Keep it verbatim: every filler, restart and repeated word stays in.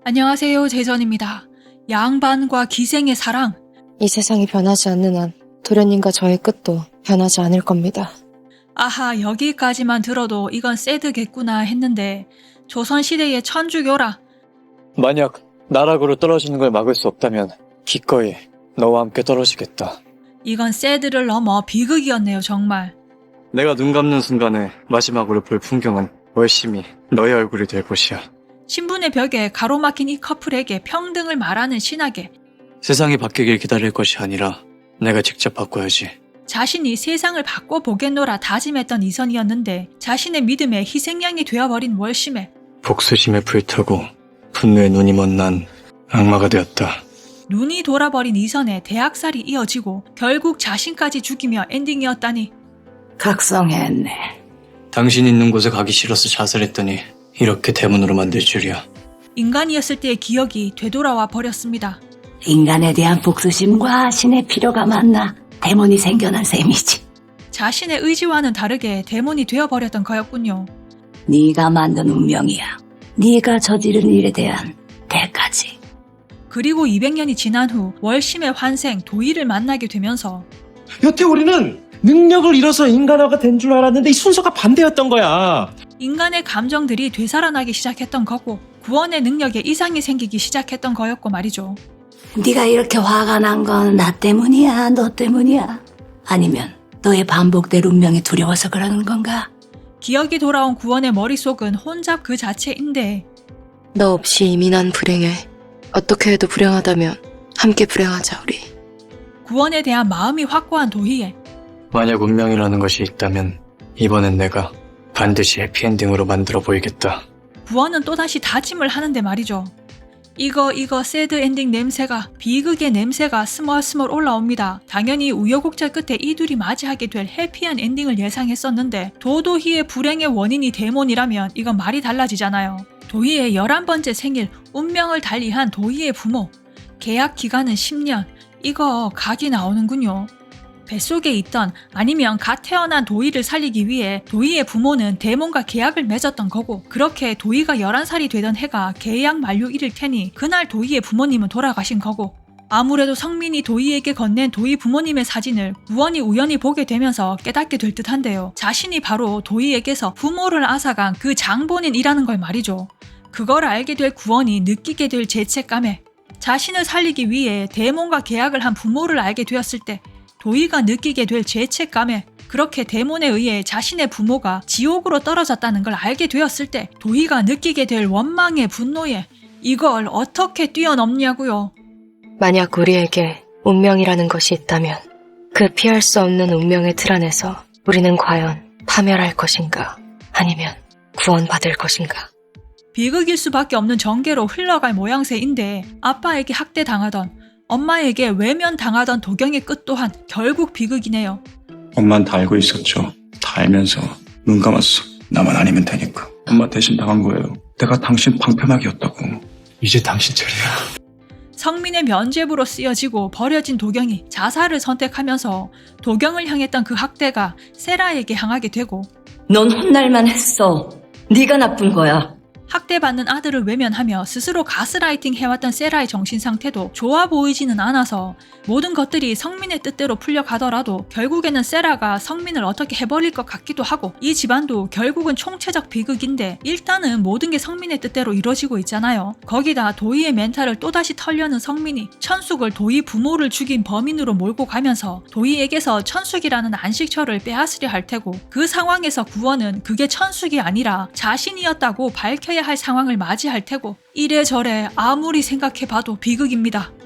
안녕하세요, 제전입니다. 양반과 기생의 사랑. 이 세상이 변하지 않는 한 도련님과 저의 끝도 변하지 않을 겁니다. 아하, 여기까지만 들어도 이건 새드겠구나 했는데 조선시대의 천주교라. 만약 나락으로 떨어지는 걸 막을 수 없다면 기꺼이 너와 함께 떨어지겠다. 이건 새드를 넘어 비극이었네요, 정말. 내가 눈 감는 순간에 마지막으로 볼 풍경은 월심이 너의 얼굴이 될 것이야. 신분의 벽에 가로막힌 이 커플에게 평등을 말하는 신학에 세상이 바뀌길 기다릴 것이 아니라 내가 직접 바꿔야지. 자신이 세상을 바꿔보겠노라 다짐했던 이선이었는데 자신의 믿음에 희생양이 되어버린 월심에 복수심에 불타고 분노에 눈이 먼 난 악마가 되었다. 눈이 돌아버린 이선의 대학살이 이어지고 결국 자신까지 죽이며 엔딩이었다니. 각성했네. 당신 있는 곳에 가기 싫어서 자살했더니 이렇게 대문으로 만들 줄이야. 인간이었을 때의 기억이 되돌아와 버렸습니다. 인간에 대한 복수심과 신의 필요가 만나 데몬이 생겨난 셈이지. 자신의 의지와는 다르게 데몬이 되어버렸던 거였군요. 네가 만든 운명이야. 네가 저지른 일에 대한 대가지. 그리고 이백 년이 지난 후 월심의 환생 도희를 만나게 되면서 여태 우리는 능력을 잃어서 인간화가 된 줄 알았는데 이 순서가 반대였던 거야. 인간의 감정들이 되살아나기 시작했던 거고 구원의 능력에 이상이 생기기 시작했던 거였고 말이죠. 네가 이렇게 화가 난 건 나 때문이야, 너 때문이야? 아니면 너의 반복될 운명이 두려워서 그러는 건가? 기억이 돌아온 구원의 머릿속은 혼잡 그 자체인데 너 없이 이미 난 불행해. 어떻게 해도 불행하다면 함께 불행하자 우리. 구원에 대한 마음이 확고한 도희에 만약 운명이라는 것이 있다면 이번엔 내가 반드시 해피엔딩으로 만들어 보이겠다. 구원은 또다시 다짐을 하는데 말이죠. 이거 이거 새드 엔딩 냄새가 비극의 냄새가 스멀스멀 올라옵니다. 당연히 우여곡절 끝에 이 둘이 맞이하게 될 해피한 엔딩을 예상했었는데 도도희의 불행의 원인이 데몬이라면 이건 말이 달라지잖아요. 도희의 열한 번째 생일 운명을 달리한 도희의 부모 계약 기간은 십 년. 이거 각이 나오는군요. 뱃속에 있던 아니면 갓 태어난 도희를 살리기 위해 도희의 부모는 데몬과 계약을 맺었던 거고 그렇게 도희가 열한 살이 되던 해가 계약 만료일일 테니 그날 도희의 부모님은 돌아가신 거고 아무래도 성민이 도희에게 건넨 도희 부모님의 사진을 구원이 우연히 보게 되면서 깨닫게 될 듯한데요. 자신이 바로 도희에게서 부모를 앗아간 그 장본인이라는 걸 말이죠. 그걸 알게 될 구원이 느끼게 될 죄책감에 자신을 살리기 위해 데몬과 계약을 한 부모를 알게 되었을 때 도희가 느끼게 될 죄책감에 그렇게 데몬에 의해 자신의 부모가 지옥으로 떨어졌다는 걸 알게 되었을 때 도희가 느끼게 될 원망의 분노에 이걸 어떻게 뛰어넘냐고요. 만약 우리에게 운명이라는 것이 있다면 그 피할 수 없는 운명의 틀 안에서 우리는 과연 파멸할 것인가 아니면 구원받을 것인가. 비극일 수밖에 없는 전개로 흘러갈 모양새인데 아빠에게 학대당하던 엄마에게 외면당하던 도경의 끝 또한 결국 비극이네요. 엄만 다 알고 있었죠. 다 알면서 눈 감았어. 나만 아니면 되니까. 엄마 대신 당한 거예요. 내가 당신 방패막이었다고. 이제 당신 차례야. 성민의 면죄부로 쓰여지고 버려진 도경이 자살을 선택하면서 도경을 향했던 그 학대가 세라에게 향하게 되고 넌 혼날만 했어. 네가 나쁜 거야. 학대받는 아들을 외면하며 스스로 가스라이팅 해왔던 세라의 정신상태도 좋아 보이지는 않아서 모든 것들이 성민의 뜻대로 풀려가더라도 결국에는 세라가 성민을 어떻게 해버릴 것 같기도 하고 이 집안도 결국은 총체적 비극인데 일단은 모든 게 성민의 뜻대로 이루어지고 있잖아요. 거기다 도희의 멘탈을 또다시 털려는 성민이 천숙을 도희 부모를 죽인 범인으로 몰고 가면서 도희에게서 천숙이라는 안식처를 빼앗으려 할 테고 그 상황에서 구원은 그게 천숙이 아니라 자신이었다고 밝혀야 할 상황을 맞이할 테고 이래저래 아무리 생각해봐도 비극입니다.